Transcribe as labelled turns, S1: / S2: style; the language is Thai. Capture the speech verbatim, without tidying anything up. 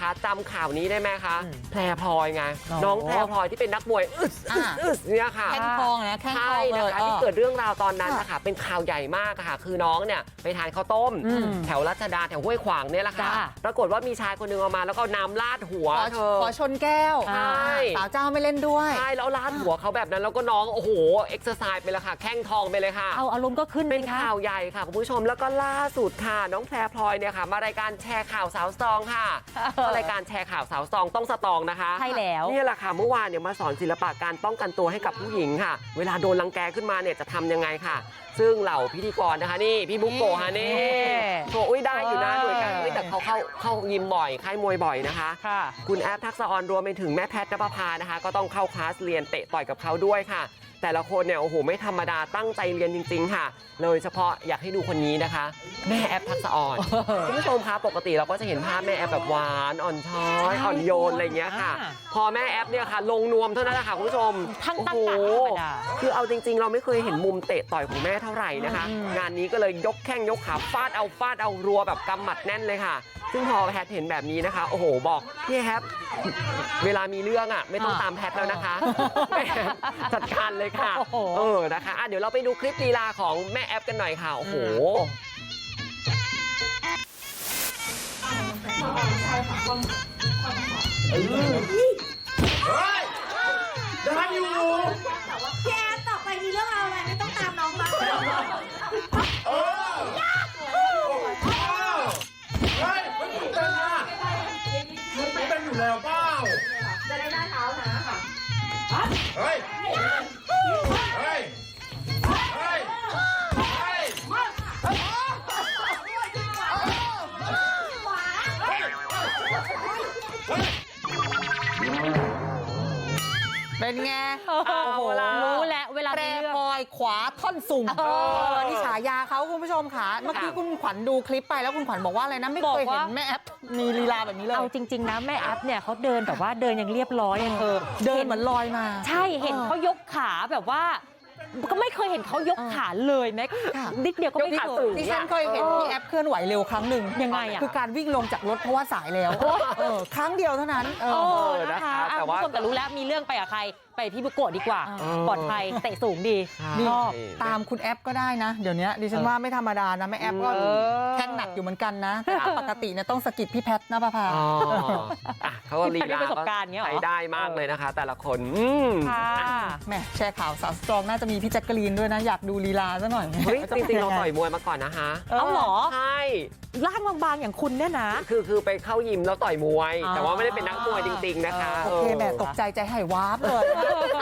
S1: จำข่าวนี้ได้ไหมคะแพรพลอยไงน้องแพรพลอยที่เป็นนักมวยอึดอึดเนี่ยค่ะ
S2: แข้งทองนะแข้งทองเลย
S1: ที่เกิดเรื่องราวตอนนั้นนะคะเป็นข่าวใหญ่มากค่ะคือน้องเนี่ยไปทานข้าวต้มแถวรัชดาแถวห้วยขวางเนี่ยแหละค่ะปรากฏว่ามีชายคนนึงเอามาแล้วก็น้ำลาดหัวเธอ
S2: ขอชนแก้วสาวเจ้าไม่เล่นด้วย
S1: ใช่แล้วลาดหัวเขาแบบนั้นแล้วก็น้องโอ้โหเอ็กซ์ไซส์ไปเลยค่ะแข้งทองไปเลยค่ะ
S3: เอาอารมณ์ก็ขึ้น
S1: เป็นข่าวใหญ่ค่ะคุณผู้ชมแล้วก็ล่าสุดค่ะน้องแพรพลอยเนี่ยค่ะมารายการแชร์ข่าวสาวสตรองค่ะรายการแชร์ข่าวสาวสตรองต้องสตรองนะคะ
S3: ใช่แล้ว
S1: นี่แหละค่ะเมื่อวานเนี่ยมาสอนศิลปะการป้องกันตัวให้กับผู้หญิงค่ะเวลาโดนรังแกขึ้นมาเนี่ยจะทำยังไงค่ะซึ่งเหล่าพิธีกรนะคะนี่พี่บุ๊กโกะฮะนี่โชว์อุ้ยได้อยู่นะหน่วยการแต่เขาเข้าเข้ายิมบ่อยค่ายมวยบ่อยนะคะคุณแอฟทักษะออนรวมไปถึงแม่แพทย์ณภพานะคะก็ต้องเข้าคลาสเรียนเตะต่อยกับเขาด้วยค่ะแต่ละคนเนี่ยโอ้โหไม่ธรรมดาตั้งใจเรียนจริงๆค่ะโดยเฉพาะอยากให้ดูคนนี้นะคะแม่แอฟทักษะออนคุณผู้ชมคะปกติเราก็จะเห็นภาพแม่แอฟแบบหวานอ่อนช้อยอ่อนโยนอะไรเงี้ยค่ะพอแม่แอฟเนี่ยค่ะลงนวมเท่านั้นแหละค่ะคุณผู้ชม
S3: ทั้งตั้ง
S1: โอ้โหคือเอาจริงๆเราไม่เคยเห็นมุมเตะต่อยของแม่เท่าไหร่นะคะงานนี้ก็เลยยกแข้งยกขาฟาดเอาฟาดเอารัวแบบกำหมัดแน่นเลยค่ะซึ่งพอแพทเห็นแบบนี้นะคะโอ้โหบอกพี่แอฟเวลามีเรื่องอ่ะไม่ต้องตามแพทแล้วนะคะแม่จัดการเลยค่ะเออนะคะเดี๋ยวเราไปดูคลิปลีลาของแม่แอฟกันหน่อยค่ะโอ้โห
S4: เฮ้ยได้อยู่
S5: พี่แอฟต่อไปมีเรื่องอะไรไม่ต้องตามน้องมา
S4: เออเฮ้ยมันตื่นเต้นนะมันตื่นเต้นอยู่แล้วเปล่า
S5: จะได้หน้าเท้านะ
S4: เฮ้ยเฮ้ยเฮ้ย
S2: เป็นไง
S3: โอ้โหรู้แล้วเวลา
S2: แพรพลอยขวาท่อนสูงนี่ฉายาเขาคุณผู้ชมค่ะเมื่อกี้คุณขวัญดูคลิปไปแล้วคุณขวัญบอกว่าอะไรนะไม่เคยเห็นแม่แอฟมีลีลาแบบนี้เลย
S3: เอาจริงๆนะแม่แอฟเนี่ยเขาเดินแบบว่าเดินยังเรียบร้อยเธอ
S2: เดินเหมือนลอยมา
S3: ใช่เห็นเขายกขาแบบว่าก็ไม่เคยเห็นเขายกขาเลยแม้นิดเดียวก็ไม่เคย
S2: ดิฉันเคยเห็นพี่แอฟเคลื่อนไหวเร็วครั้งหนึ่ง
S3: ยังไงอ่ะ
S2: คือการวิ่งลงจากรถเพราะว่าสายแล้วครั้งเดียวเท่านั้นเอ
S3: อนะคะแต่ว่าแต่รู้แล้วมีเรื่องไปกับใครไปพี่บุโกะดีกว่าปลอดภัยเตะสูงดี
S2: ชอบตามคุณแอฟก็ได้นะเดี๋ยวนี้ดิฉันว่าไม่ธรรมดานะแม่แอฟก็แข้งหนักอยู่เหมือนกันนะแต่ปกติเนี่ยต้องสกิดพี่แพทณภพา
S1: เขาก็ลีลาใช้ได้มากเลยนะคะแต่ละคน
S2: แม่แชร์ข่าวสาวสตรองน่าจะมีพี่แจ็คกะลีนด้วยนะอยากดูลีลาซะหน่อย
S1: เฮ้ยจริงๆเราต่อยมวยมาก่อนนะคะ
S3: เอาหรอ
S1: ใช่
S3: ร่างบางๆอย่างคุณเนี่ยนะ
S1: คือคือไปเข้ายิมแล้วต่อยมวยแต่ว่าไม่ได้เป็นนักมวยจริงๆนะคะ
S2: โอเคแม่ตกใจใจหายวาบเลย